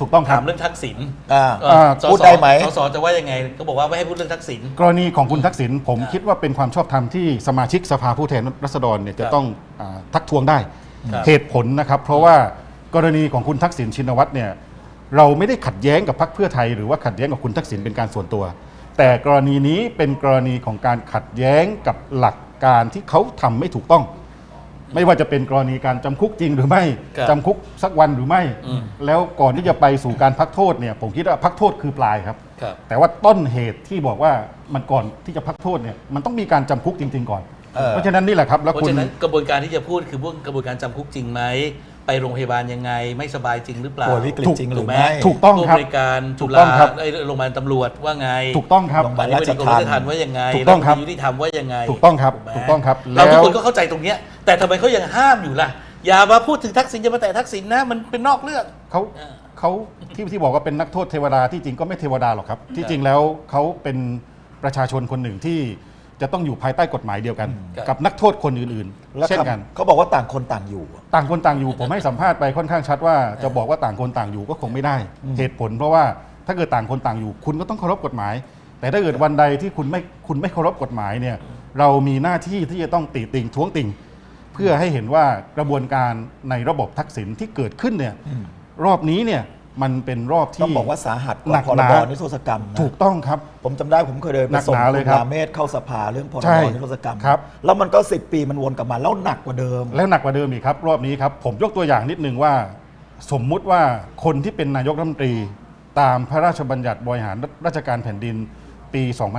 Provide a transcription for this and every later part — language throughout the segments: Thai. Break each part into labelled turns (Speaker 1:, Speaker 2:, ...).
Speaker 1: ถูกต้องครับ
Speaker 2: ถามเรื่องทักษิณ
Speaker 3: พูดได้ไหม
Speaker 2: สสจะว่ายังไงก็บอกว่าไม่ให้พูดเรื่องทักษิณ
Speaker 1: กรณีของคุณทักษิณผมคิดว่าเป็นความชอบธรรมที่สมาชิกสภาผู้แทนราษฎรเนี่ยจะต้องทักท้วงได้
Speaker 2: ครับ
Speaker 1: เหตุผลนะครับ เพราะว่ากรณีของคุณทักษิณชินวัตรเนี่ยเราไม่ได้ขัดแย้งกับพรรคเพื่อไทยหรือว่าขัดแย้งกับคุณทักษิณเป็นการส่วนตัว แต่กรณีนี้เป็นกรณีของการขัดแย้งกับหลักการที่เขาทำไม่ถูกต้อง ไม่ว่าจะเป็นกรณีการจำคุกจริงหรือไม่
Speaker 2: ครับ
Speaker 1: จำคุกสักวันหรือไม่ แล้วก่อนที่จะไปสู่การพักโทษเนี่ยผมคิดว่าพักโทษคือปลายครับ
Speaker 2: ครับ
Speaker 1: แต่ว่าต้นเหตุที่บอกว่ามันก่อนที่จะพักโทษเนี่ยมันต้องมีการจำคุกจริง ๆ ก่อน เพราะฉะนั้นนี่แหละครับแล้ว
Speaker 2: เพราะ
Speaker 1: คุณ
Speaker 2: ฉะนั้นกระบวนการที่จะพูดคือพวกกระบวนการจำคุกจริงไหมไปโรงพยาบาลยังไงไม่สบายจริงหรือเปล่า
Speaker 3: ป่วยวิกฤตจริงหรือไม่
Speaker 1: ถูกต้องครับ
Speaker 2: ผู้บริการ
Speaker 1: ถู
Speaker 2: จุ
Speaker 1: ก
Speaker 2: ฬา
Speaker 1: ต้องครับ
Speaker 2: โรงพยาบาลตำรวจว่าไง
Speaker 1: ถูกต้องครับ
Speaker 3: โรงพยาบาล
Speaker 2: อธิบดีกรมราชทัณฑ์ว่ายังไง
Speaker 1: ถูกต้องครับ
Speaker 2: ฐมนตยุติธรรมว่ายังไง
Speaker 1: ถูกต้องครับ
Speaker 2: ไหม
Speaker 1: ถูกต้องครับ
Speaker 2: เราทุก
Speaker 1: แล้ว
Speaker 2: คนก็เข้าใจตรงเนี้ยแต่ทำไมเขายังห้ามอยู่ล่ะอย่ามาพูดถึงทักษิณอย่ามาแตะทักษิณนะมันเป็นนอกเรื่อง
Speaker 1: เขาที่บอกว่าเป็นนักโทษเทวดาที่จริงก็ไม่เทวดาหรอกครับ ที่จริงแล้วเขาเป็นประชาชนคนหนึ่งที่จะต้องอยู่ภายใต้กฎหมายเดียวกัน
Speaker 2: ครับ
Speaker 1: กับนักโทษคนอื่น
Speaker 3: แล้ว
Speaker 1: ๆ เช่นกัน
Speaker 3: เขาบอกว่าต่างคนต่างอยู่
Speaker 1: ต่างคนต่างอยู่ผมให้สัมภาษณ์ไปค่อนข้างชัดว่าจะบอกว่าต่างคนต่างอยู่ก็คงไม่ได้ เหตุผลเพราะว่าถ้าเกิดต่างคนต่างอยู่ คุณก็ต้องเคารพกฎหมาย แต่ถ้าเกิดวันใดที่คุณไม่เคารพกฎหมายเนี่ยเรามีหน้าที่ที่จะต้องติติงท้วงติงเพื่อให้เห็นว่ากระบวนการในระบบทักษิณที่เกิดขึ้นเนี่ยรอบนี้เนี่ยมันเป็นรอบ
Speaker 3: ต้อ
Speaker 1: ที่
Speaker 3: งบอกว่าสาหัสก
Speaker 1: หนั
Speaker 3: ว่าก พ
Speaker 1: ห
Speaker 3: ร
Speaker 1: นา
Speaker 3: บนิรโทษกรรมนะ
Speaker 1: ถูกต้องครับ
Speaker 3: ผมจำได้ผมเคยเดิน
Speaker 1: ห
Speaker 3: ไป
Speaker 1: นัก
Speaker 3: ส่ง
Speaker 1: หนา
Speaker 3: คุ
Speaker 1: เลย
Speaker 3: ณ
Speaker 1: ครับ
Speaker 3: ราเมศเข้าสภาเรื่องพร
Speaker 1: ใช่
Speaker 3: บนิรโทษกรรม
Speaker 1: ครับ
Speaker 3: แล้วมันก็10 ปีมันวนกลับมาแล้วหนักกว่าเดิม
Speaker 1: แล้วหนักกว่าเดิมอีกครับ รอบนี้ครับ ผมยกตัวอย่างนิดนึงว่า สมมุติว่าคนที่เป็นนายกรัฐมนตรี ตามพระราชบัญญัติบริหารราชการแผ่นดินปี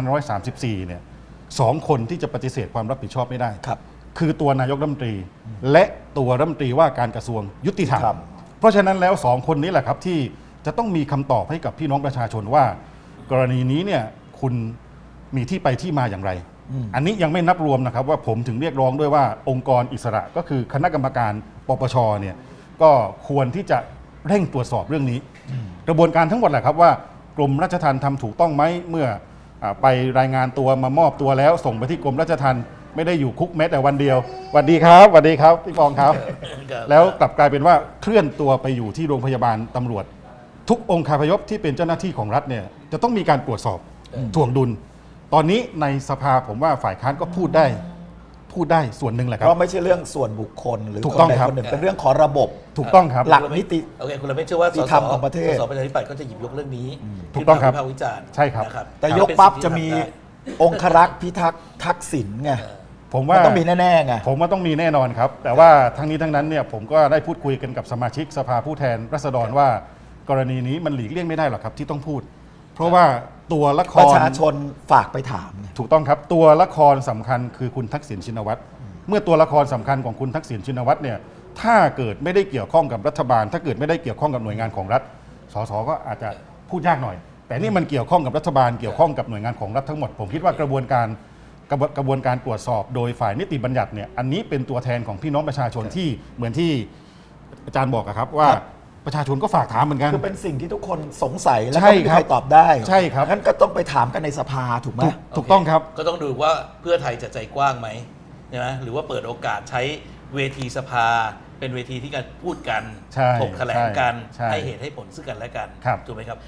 Speaker 1: 2534 เนี่ยสองคนที่จะปฏิเสธความรับผิดชอบไม่ได้
Speaker 3: ครับ
Speaker 1: คือตัวนายกรัฐมนตรี และตัวรัฐมนตรีว่าการกระทรวงยุติธรรม
Speaker 3: ครับ
Speaker 1: เพราะฉะนั้นแล้วสองคนนี้แหละครับที่จะต้องมีคำตอบให้กับพี่น้องประชาชนว่า กรณีนี้เนี่ยคุณมีที่ไปที่มาอย่างไร อันนี้ยังไม่นับรวมนะครับว่าผมถึงเรียกร้องด้วยว่าองค์กรอิสระก็คือคณะกรรมการปปชเนี่ยก็ควรที่จะเร่งตรวจสอบเรื่องนี้ กระบวนการทั้งหมดแหละครับว่ากรมราชทัณฑ์ทำถูกต้องไหมเมื่อไปรายงานตัวมามอบตัวแล้วส่งไปที่กรมราชทัณฑ์ไม่ได้อยู่คุกแม้แต่วันเดียวสวัสดีครับสวัสดีครับพี่ปองครับ
Speaker 2: ครับ
Speaker 1: แล้วกลับกลายเป็นว่าเคลื่อนตัวไปอยู่ที่โรงพยาบาลตำรวจ ทุกองค์คาพยพที่เป็นเจ้าหน้าที่ของรัฐเนี่ยจะต้องมีการตรวจสอบถ่วงดุล ตอนนี้ในสภาผมว่าฝ่ายค้านก็พูดได้ส่วนหนึ่งแหละค
Speaker 3: เพ
Speaker 1: รับ
Speaker 3: ราะไม่ใช่เรื่องส่วนบุคคลหรือ
Speaker 1: ถู
Speaker 3: ค
Speaker 1: ก
Speaker 3: น
Speaker 1: ต้อง
Speaker 3: ใด
Speaker 1: ครับ
Speaker 3: คนหนึ่งเป็นเรื่องของระบบ
Speaker 1: ถูกต้องครับ
Speaker 3: หลักนิติ
Speaker 2: โอเคคุณเราไม่เชื่อว่า
Speaker 3: ที่ทำของประเทศ
Speaker 2: สประชาธิปัตย์ก็จะหยิบยกเรื่องนี้
Speaker 1: ถูกต้องครับ
Speaker 2: ขึ้นมาวิพากษ์วิจารณ์
Speaker 1: ใช่ครับ
Speaker 2: นะ
Speaker 3: แต่ยก
Speaker 2: เป็น
Speaker 3: ปั๊บ
Speaker 2: สิ่ง
Speaker 3: จะ
Speaker 2: ที่
Speaker 3: มี
Speaker 2: ทำได้
Speaker 3: องครักษ์พิทักษ์ทักษิณไง
Speaker 1: ผมว่า
Speaker 3: มันต้องมีแน่ๆไง
Speaker 1: ผมว่าต้องมีแน่นอนครับ แต่ว่าทั้งนี้ทั้งนั้นเนี่ยผมก็ได้พูดคุยกันกับสมาชิกสภาผู้แทนราษฎรว่ากรณีนี้มันหลีกเลี่ยงไม่ได้หรอกครับที่ต้องพูด เพราะว่าตัวละค
Speaker 3: ประ
Speaker 1: ร
Speaker 3: ชาชนฝากไปถามไง
Speaker 1: ถูกต้องครับตัวละครสำคัญคือคุณทักษิณชินวัตรเมื่อตัวละครสำคัญของคุณทักษิณชินวัตรเนี่ยถ้าเกิดไม่ได้เกี่ยวข้องกับรัฐบาล ถ้าเกิดไม่ได้เกี่ยวข้องกับหน่วยงานของรัฐสสก็อาจจะพูดยากหน่อย แต่นี่มันเกี่ยวข้องกับรัฐบาลเกี่ยวข้องกับหน่วยงานของรัฐทั้งหมดผมคิดว่ากระบวนการตรวจสอบโดยฝ่ายนิติบัญญัติเนี่ยอันนี้เป็นตัวแทนของพี่น้องประชาชนที่เหมือนที่อาจารย์บอกอะครับว่าประชาชนก็ฝากถามเหมือนกัน
Speaker 3: คือเป็นสิ่งที่ทุกคนสงสัยแล้ว
Speaker 1: ใช่
Speaker 3: ก็ไม่มี
Speaker 1: ครับ
Speaker 3: ใครตอบได้
Speaker 1: ใช่ครับ
Speaker 3: งั้นก็ต้องไปถามกันในสภาถูกไหม
Speaker 1: ถูกต้องครับ
Speaker 2: ก็ต้องดูว่าเพื่อไทยจะใจกว้างไหมใช่ไหมหรือว่าเปิดโอกาสใช้เวทีสภา เป็นเวทีที่การพูดกัน
Speaker 1: ใช่
Speaker 2: ถกแถลงกัน
Speaker 1: ใช่
Speaker 2: ให้เหตุให้ผลซึ่งกันและกัน
Speaker 1: ครับ
Speaker 2: ถูกไหมครับ